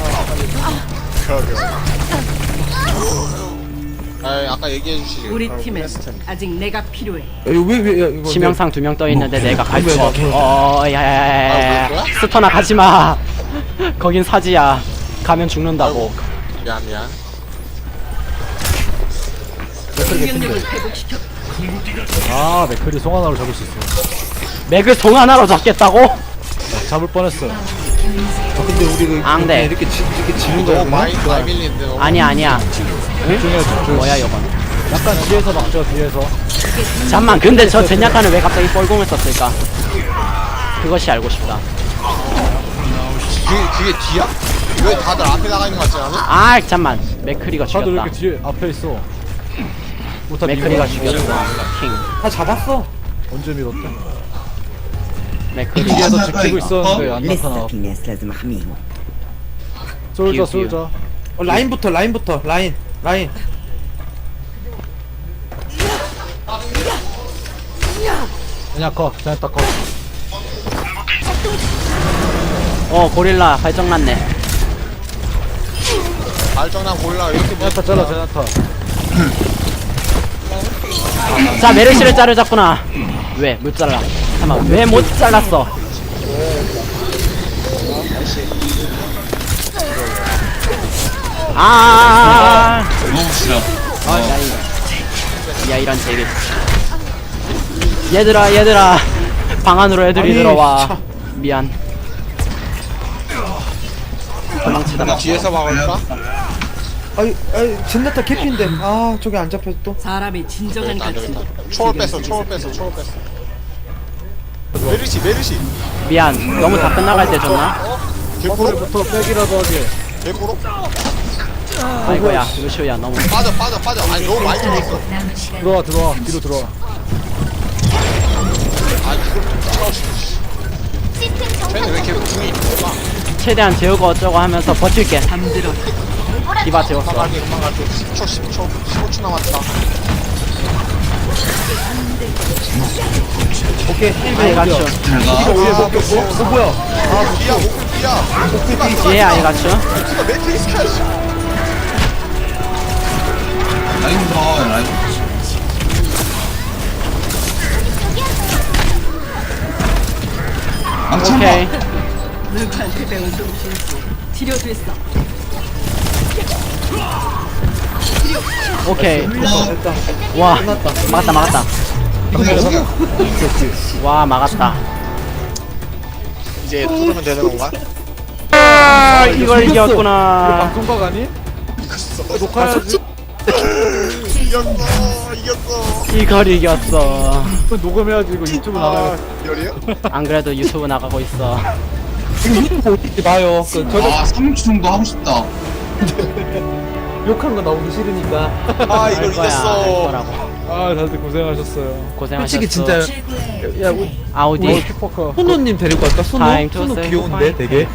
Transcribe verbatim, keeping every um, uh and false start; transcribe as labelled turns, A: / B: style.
A: 아, 아까 얘기해 주시지.
B: 우리 팀엔 아직 내가 필요해.
C: 왜왜 이거
D: 치명상 두 명 떠 있는데 내가 갈 수
C: 왜,
D: 없어.
C: 왜?
D: 어,
A: 아,
D: 야야야야.
A: 뭐야?
D: 스터나 가지 마. 거긴 사지야. 가면 죽는다고.
A: 미안, 미안.
B: 공격력을 회복시켜.
E: 아 맥클이 송 하나로 잡을 수 있어.
D: 맥을 송 하나로 잡겠다고?
E: 잡을 뻔했어요.
C: 아, 근데 우리 그
D: 아, 근데.
C: 이렇게 지, 이렇게 지는
A: 너무
C: 거야
A: 많이, 많이 밀리는데, 너무.
D: 아니야 아니야.
E: 집중해 집중.
D: 뭐야 이건?
E: 약간 뒤에서 막죠 뒤에서.
D: 잠만. 근데 저 젠야타는 왜 갑자기 뻘공을 썼을까? 그것이 알고 싶다.
A: 그게, 그게 뒤야? 왜 다들 앞에 나가 있는 것 같지 않아?
D: 아 잠만. 맥크리가
E: 다들 왜
D: 죽였다.
E: 이렇게 뒤에 앞에 있어? 못하
D: 맥크리가 죽였어. 킹.
C: 다 잡았어.
E: 언제 밀었대?
D: 맥크리.
E: 뒤에서 지키고 있었는데 안
F: لسه
E: 나타나.
F: في ناس لازم احميهم.
E: 쏠자
D: 비우, 비우.
E: 쏠자.
C: 어, 라인부터 라인부터 라인 라인.
E: 그냥 컷 그냥 딱 컷.
D: 어 고릴라 발정났네.
A: 발정난 골라, 이렇게 뭐.
E: 제나타 잘라 제나타.
D: 자 메르시를 자르자꾸나. 왜 못 잘라? 잠깐 왜 못 잘랐어? 아. 아, 야, 이- 야 이런 제기. 얘들아 얘들아 방 안으로 애들이
C: 아니,
D: 들어와.
C: 참.
D: 미안. 도망치다가.
A: 뒤에서 막을까?
C: 아이 아이 젠나타 개피인데 아 저기 안 잡혀서 또.
B: 사람의 진정한
A: 안 되겠다.
B: 가치는
A: 초월 뺐어, 초월 뺐어, 초월 뺐어. 메르시, 메르시.
D: 미안. 너무 다 끝나갈 때 줬나?
A: 개코를
E: 부터 백이라도 하게.
A: 개코로?
D: 아이고야 루시오야 너무
A: 빠져 빠져 빠져. 아니 너무 많이 들었어.
C: 들어와 들어와 뒤로 들어와.
A: 아 이걸 차오시. 쟤는 왜 이렇게 궁이 좁아?
D: 최대한 재우고 어쩌고 하면서 버틸게.
B: 잠들어.
D: 디바 재웠어.
A: 금방 갈게 금방 갈게. 십 초 십 초 십오 초 남았다.
C: 오케이.
D: 아이 가츄.
C: 이거 위에 먹혔고. 어 뭐야?
A: 아 비야 목풀 비야. 디바 디바
D: 뒤에 아이 가츄.
A: 디바 매트릭스 켜야지.
F: 라인 더 라인 망쳐
D: 오케이.
B: 누구한테 배운 솜씨인지 치료됐어.
D: 오케이. 와 막았다 막았다. 와 막았다.
A: 이제 뚫으면 되는 건가?
D: 아 이걸
C: 이거
D: 이겼구나.
C: 방송각 아니? 녹화해야지.
A: 이겼어 이겼어.
D: 이걸 이겼어.
C: 이거 녹음해야지 이거 유튜브 나가요.
A: 열이요?
D: 안 그래도 유튜브 나가고 있어.
C: 유튜브 어떻게 봐요? 그 저도
F: 아 삼 주 정도 하고 싶다
C: 욕한 거 나오기 싫으니까.
A: 아 이걸
D: 알 거야 알
A: 이겼어.
D: 거라고.
C: 아 다들 고생하셨어요.
D: 고생하셨어.
C: 솔직히 진짜 야 우리
D: 아우디.
C: 호노님 데리고 갈까?
D: Time
C: 소노?
D: to
C: 소노
D: say
C: 귀여운데
D: goodbye.
C: 되게.